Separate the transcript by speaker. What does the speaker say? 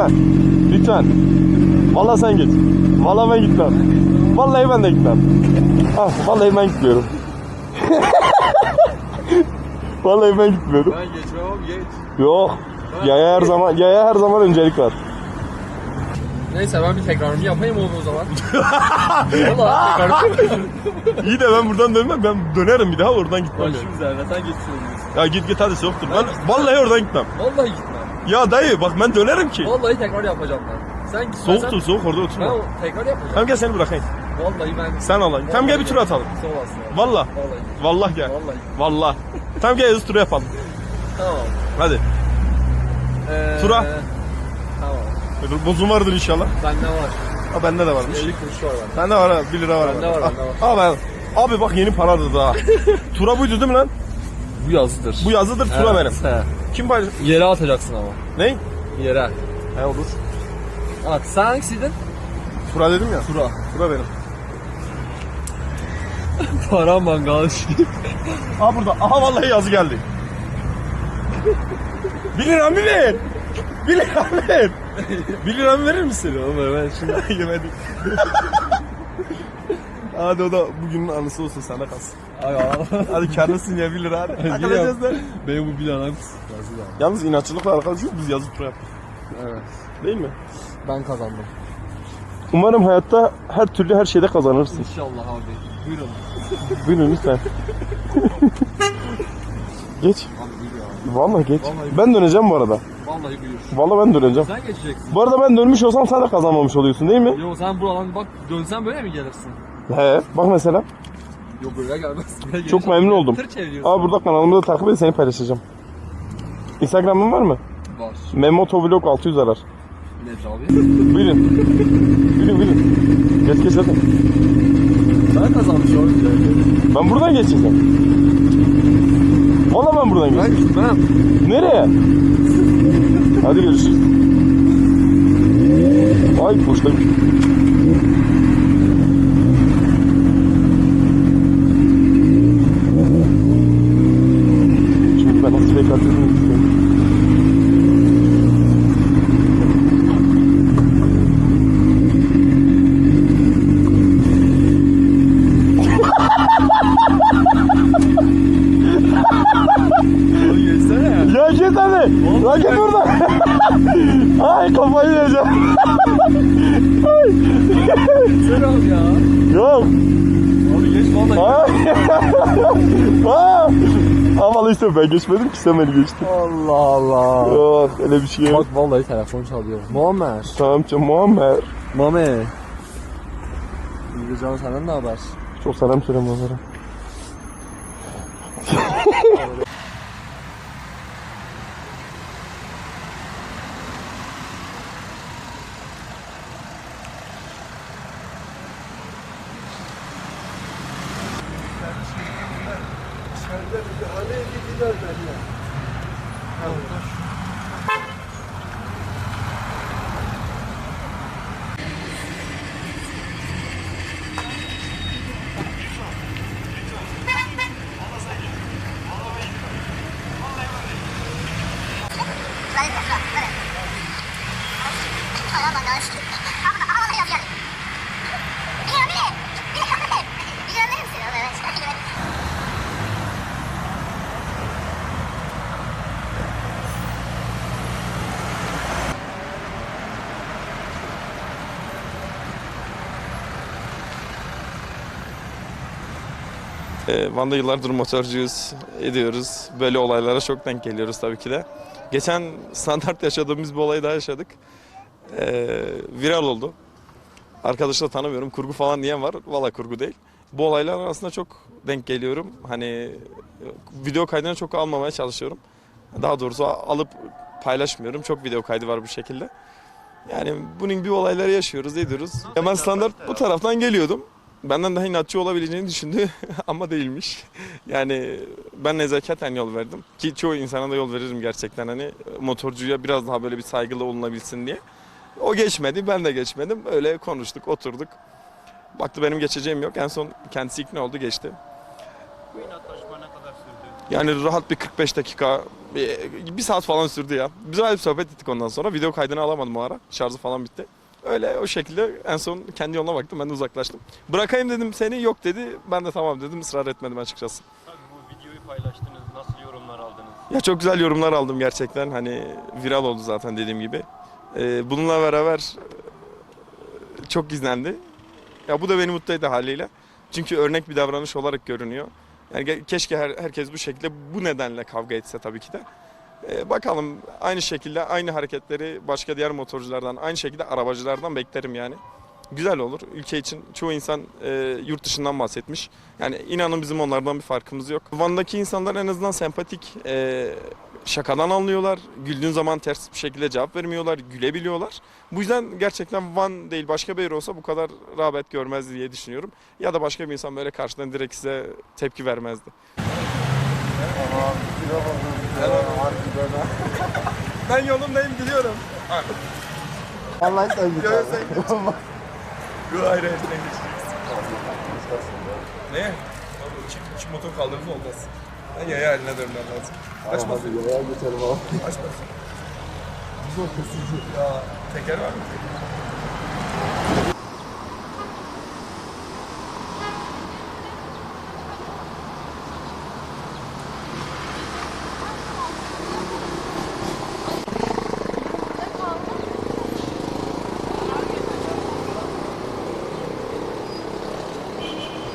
Speaker 1: lütfen. Lütfen. Vallahi sen geç. Vallahi ben gitmem. Vallahi ben de gitmem. Ah, vallahi ben gitmiyorum. Vallahi ben gitmiyorum.
Speaker 2: Ben geçmem abi, geç.
Speaker 1: Yok. Yaya her zaman öncelik var.
Speaker 2: Neyse ben bir tekrarımı yapayım oğlum o zaman. Vallahi tekrarımı.
Speaker 1: İyi de ben buradan dönmem. Ben dönerim bir daha oradan gitmem.
Speaker 2: Başım üzerine sen geçsin.
Speaker 1: Ya git hadi soktur. Ben vallahi oradan gitmem.
Speaker 2: Vallahi gitmem.
Speaker 1: Ya dayı bak ben dönerim ki.
Speaker 2: Vallahi tekrar yapacağım ben. Sen gitmezsen
Speaker 1: Soğuk orada
Speaker 2: ben
Speaker 1: oturma.
Speaker 2: tekrar yapacağım.
Speaker 1: Tamam gel seni bırakayım.
Speaker 2: Vallahi ben.
Speaker 1: Sen alayım. Tamam gel bir tur atalım.
Speaker 2: Sağ olasın.
Speaker 1: Vallahi.
Speaker 2: Vallahi.
Speaker 1: Vallahi gel.
Speaker 2: Vallahi.
Speaker 1: Vallahi. Tamam gel hızlı turu yapalım.
Speaker 2: Tamam.
Speaker 1: Hadi. Tura.
Speaker 2: Tamam.
Speaker 1: Bozum vardır inşallah.
Speaker 2: Bende var.
Speaker 1: Ha bende de varmış.
Speaker 2: 50 kuruş var bende.
Speaker 1: Bende var ha 1 lira var.
Speaker 2: Bende var, bende var.
Speaker 1: Abi, abi bak yeni paradır daha. Tura buydu değil mi lan?
Speaker 2: Bu yazıdır.
Speaker 1: Bu yazıdır tura benim.
Speaker 2: He.
Speaker 1: Kim paylaş?
Speaker 2: Yere atacaksın ama.
Speaker 1: Ne?
Speaker 2: Yere.
Speaker 1: He olur.
Speaker 2: At. Sen hangisiydin?
Speaker 1: Tura dedim ya.
Speaker 2: Tura.
Speaker 1: Tura benim.
Speaker 2: Para mangal.
Speaker 1: Aha burada. Aha vallahi yazı geldi. 1 lira mı ver? 1 lira mı ver? 1 lira mı verir misin?
Speaker 2: Oğlum ben şimdi
Speaker 1: Yemedim. Hadi o da bugünün anısı olsun sana kalsın. Hadi karlısın ya 1 lira hadi. Takılacağız da.
Speaker 2: benim bu bir anam yazdı da.
Speaker 1: Yalnız inatçılıkla arkadaş yok biz yazı tura yaptık.
Speaker 2: Evet.
Speaker 1: Değil mi?
Speaker 2: Ben kazandım.
Speaker 1: Umarım hayatta her türlü her şeyde kazanırsın.
Speaker 2: İnşallah abi. Buyurun.
Speaker 1: Buyurun lütfen. Geç.
Speaker 2: Abi buyur ya.
Speaker 1: Vallahi geç.
Speaker 2: Vallahi
Speaker 1: Ben döneceğim bu arada.
Speaker 2: Vallahi buyur.
Speaker 1: Vallahi ben döneceğim.
Speaker 2: Sen geçeceksin.
Speaker 1: Bu arada ben dönmüş olsam sen de kazanmamış oluyorsun değil mi?
Speaker 2: Yo sen buradan bak dönsen böyle mi gelirsin?
Speaker 1: He. Bak mesela.
Speaker 2: Yo böyle gelmez. Böyle
Speaker 1: Çok
Speaker 2: gelirsen
Speaker 1: memnun oldum.
Speaker 2: Tır çeviriyorsun.
Speaker 1: Aa burada kanalımı da takip et seni paylaşacağım. Instagram'ın var mı?
Speaker 2: Var.
Speaker 1: Memotovlog 600 arar.
Speaker 2: Nedir abi?
Speaker 1: Buyurun. Buyurun. Geç hadi.
Speaker 2: Ben kazanmış oldum.
Speaker 1: Ben buradan geçeceğim. Valla ben buradan
Speaker 2: Ben
Speaker 1: geçeceğim.
Speaker 2: gitmem.
Speaker 1: Nereye? Hadi görüşürüz. Ay boşta. Şimdi ben nasıl fake atıyordum istiyorum.
Speaker 2: Abi geçsene.
Speaker 1: Ya git hadi. Lan git buradan. Ay kafayı yiyeceğim. Ay.
Speaker 2: Geçsene abi ya.
Speaker 1: Yok.
Speaker 2: Abi geç vallahi.
Speaker 1: Aa. Ama işte ben geçmedim ki sen beni geçtin.
Speaker 2: Allah Allah.
Speaker 1: Yok öyle bir şey yok.
Speaker 2: Bak vallahi telefon çalıyor. Muammer.
Speaker 1: Tamam canım Muammer.
Speaker 2: Mame. İyi canım senden ne haber?
Speaker 1: Çok selam söyleme onlara. Van'da yıllardır motorcuyuz, ediyoruz. Böyle olaylara çok denk geliyoruz tabii ki de. Geçen standart yaşadığımız bir olayı daha yaşadık. Viral oldu. Arkadaşı da tanımıyorum, kurgu falan diyen var. Valla kurgu değil. Bu olaylar arasında çok denk geliyorum. Hani video kaydını çok almamaya çalışıyorum. Daha doğrusu alıp paylaşmıyorum. Çok video kaydı var bu şekilde. Yani bunun gibi olayları yaşıyoruz, ediyoruz. Ben standart bu taraftan geliyordum. Benden daha inatçı olabileceğini düşündü ama değilmiş. Yani ben nezaketen yol verdim. Ki çoğu insana da yol veririm gerçekten hani motorcuya biraz daha böyle bir saygılı olunabilsin diye. O geçmedi, ben de geçmedim. Öyle konuştuk, oturduk. Baktı benim geçeceğim yok. En son kendisi ikna oldu, geçti.
Speaker 3: Bu inatlaşma ne kadar sürdü?
Speaker 1: Yani rahat bir 45 dakika Bir saat falan sürdü ya. Güzel bir sohbet ettik ondan sonra. Video kaydını alamadım o ara. Şarjı falan bitti. Öyle o şekilde en son kendi yoluna baktım. Ben de uzaklaştım. Bırakayım dedim seni, yok dedi. Ben de tamam dedim. Israr etmedim açıkçası.
Speaker 3: Tabii bu videoyu paylaştınız. Nasıl yorumlar aldınız?
Speaker 1: Ya çok güzel yorumlar aldım gerçekten. Hani viral oldu zaten dediğim gibi. Bununla beraber çok izlendi. Ya bu da beni mutlu etti haliyle. Çünkü örnek bir davranış olarak görünüyor. Yani keşke herkes bu şekilde, bu nedenle kavga etse tabii ki de. Bakalım, aynı şekilde aynı hareketleri başka diğer motorculardan, aynı şekilde arabacılardan beklerim yani. Güzel olur. Ülke için çoğu insan yurt dışından bahsetmiş. Yani inanın bizim onlardan bir farkımız yok. Van'daki insanlar en azından sempatik, şakadan anlıyorlar. Güldüğün zaman ters bir şekilde cevap vermiyorlar, gülebiliyorlar. Bu yüzden gerçekten Van değil başka bir yer olsa bu kadar rağbet görmezdi diye düşünüyorum. Ya da başka bir insan böyle karşıdan direkt size tepki vermezdi. Ben yolumdayım, gidiyorum.
Speaker 4: Vallahi sen git.
Speaker 1: Yok sen git. Yok hayır hayır sen geçeceksin. Ne? Çık motor kaldırımı olmaz. Ben yaya haline dönmem lazım. Açmasın.
Speaker 4: Hadi yaya geçelim abi.
Speaker 1: Açmasın. Zor kusucu. Ya teker var mı?